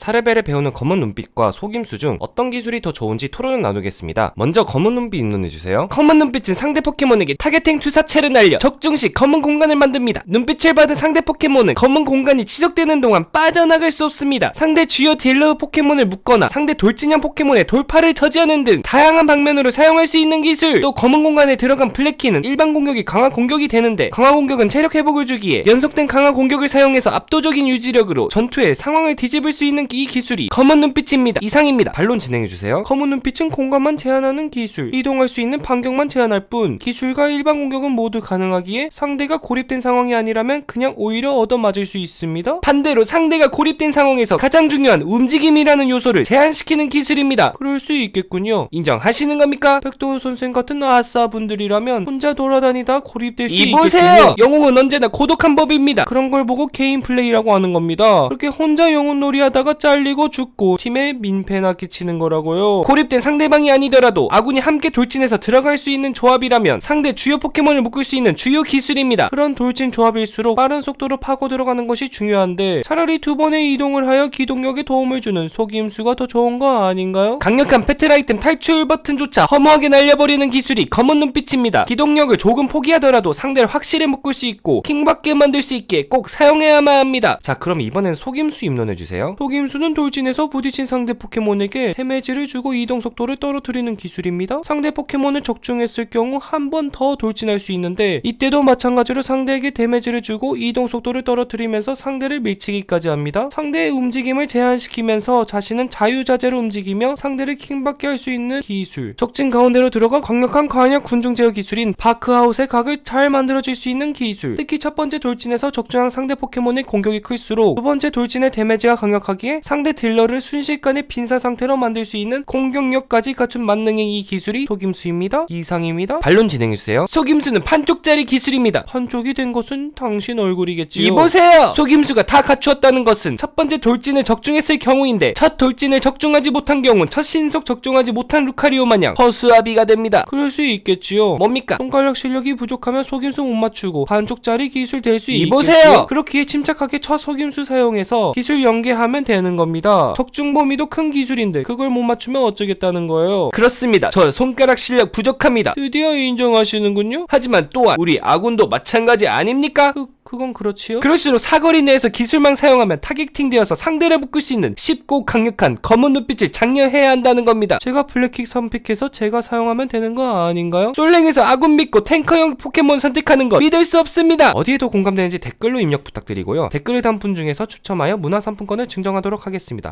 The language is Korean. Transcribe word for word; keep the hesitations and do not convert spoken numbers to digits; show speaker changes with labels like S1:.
S1: 사 레벨에 배우는 검은 눈빛과 속임수 중 어떤 기술이 더 좋은지 토론을 나누겠습니다. 먼저 검은 눈빛 입론해주세요. 검은 눈빛은 상대 포켓몬에게 타겟팅 투사체를 날려 적중 시 검은 공간을 만듭니다. 눈빛을 받은 상대 포켓몬은 검은 공간이 지속되는 동안 빠져나갈 수 없습니다. 상대 주요 딜러 포켓몬을 묶거나 상대 돌진형 포켓몬의 돌파를 저지하는 등 다양한 방면으로 사용할 수 있는 기술. 또 검은 공간에 들어간 블랙키는 일반 공격이 강화 공격이 되는데, 강화 공격은 체력 회복을 주기에 연속된 강화 공격을 사용해서 압도적인 유지력으로 전투의 상황을 뒤집을 수 있는 이 기술이 검은 눈빛입니다. 이상입니다. 반론 진행해주세요. 검은 눈빛은 공간만 제한하는 기술, 이동할 수 있는 반경만 제한할 뿐 기술과 일반 공격은 모두 가능하기에 상대가 고립된 상황이 아니라면 그냥 오히려 얻어맞을 수 있습니다. 반대로 상대가 고립된 상황에서 가장 중요한 움직임이라는 요소를 제한시키는 기술입니다. 그럴 수 있겠군요. 인정하시는 겁니까? 백도원 선생 같은 아싸 분들이라면 혼자 돌아다니다 고립될 수 있겠군요. 이보세요! 영웅은 언제나 고독한 법입니다. 그런 걸 보고 개인 플레이라고 하는 겁니다. 그렇게 혼자 영웅 놀이 하다가 잘리고 죽고 팀에 민폐나 끼치는 거라고요. 고립된 상대방이 아니더라도 아군이 함께 돌진해서 들어갈 수 있는 조합이라면 상대 주요 포켓몬을 묶을 수 있는 주요 기술입니다. 그런 돌진 조합일수록 빠른 속도로 파고 들어가는 것이 중요한데 차라리 두 번의 이동을 하여 기동력에 도움을 주는 속임수가 더 좋은 거 아닌가요? 강력한 배틀 아이템 탈출 버튼조차 허무하게 날려버리는 기술이 검은 눈빛입니다. 기동력을 조금 포기하더라도 상대를 확실히 묶을 수 있고 킹받게 만들 수 있게 꼭 사용해야만 합니다. 자, 그럼 이번엔 속임수 입론해주세요. 속임수는 돌진해서 부딪힌 상대 포켓몬에게 데미지를 주고 이동 속도를 떨어뜨리는 기술입니다. 상대 포켓몬을 적중했을 경우 한 번 더 돌진할 수 있는데, 이때도 마찬가지로 상대에게 데미지를 주고 이동 속도를 떨어뜨리면서 상대를 밀치기까지 합니다. 상대의 움직임을 제한시키면서 자신은 자유자재로 움직이며 상대를 킹받게 할 수 있는 기술. 적진 가운데로 들어가 강력한 관역 군중 제어 기술인 바크아웃의 각을 잘 만들어줄 수 있는 기술. 특히 첫 번째 돌진에서 적중한 상대 포켓몬의 공격이 클수록 두 번째 돌진의 데미지가 강력하기에 상대 딜러를 순식간에 빈사 상태로 만들 수 있는 공격력까지 갖춘 만능의 이 기술이 속임수입니다. 이상입니다. 반론 진행해주세요. 속임수는 판쪽짜리 기술입니다. 판쪽이 된 것은 당신 얼굴이겠지요. 이보세요! 속임수가 다 갖추었다는 것은 첫 번째 돌진을 적중했을 경우인데, 첫 돌진을 적중하지 못한 경우는 첫 신속 적중하지 못한 루카리오 마냥 허수아비가 됩니다. 그럴 수 있겠지요. 뭡니까? 손가락 실력이 부족하면 속임수 못 맞추고 반쪽짜리 기술 될 수 있겠지요. 이보세요! 그렇기에 침착하게 첫 속임수 사용해서 기술 연계하면 되는 겁니다. 적중 범위도 큰 기술인데 그걸 못 맞추면 어쩌겠다는 거예요. 그렇습니다. 저 손가락 실력 부족합니다. 드디어 인정하시는군요. 하지만 또한 우리 아군도 마찬가지 아닙니까? 그, 그건 그렇지요. 그럴수록 사거리 내에서 기술만 사용하면 타겟팅 되어서 상대를 묶을 수 있는 쉽고 강력한 검은 눈빛을 장려해야 한다는 겁니다. 제가 블랙킥 선픽해서 제가 사용하면 되는 거 아닌가요? 솔랭에서 아군 믿고 탱커형 포켓몬 선택하는 것 믿을 수 없습니다. 어디에 더 공감되는지 댓글로 입력 부탁드리고요. 댓글을 단 분 중에서 추첨하여 문화상품권을 증정하도록 하겠습니다.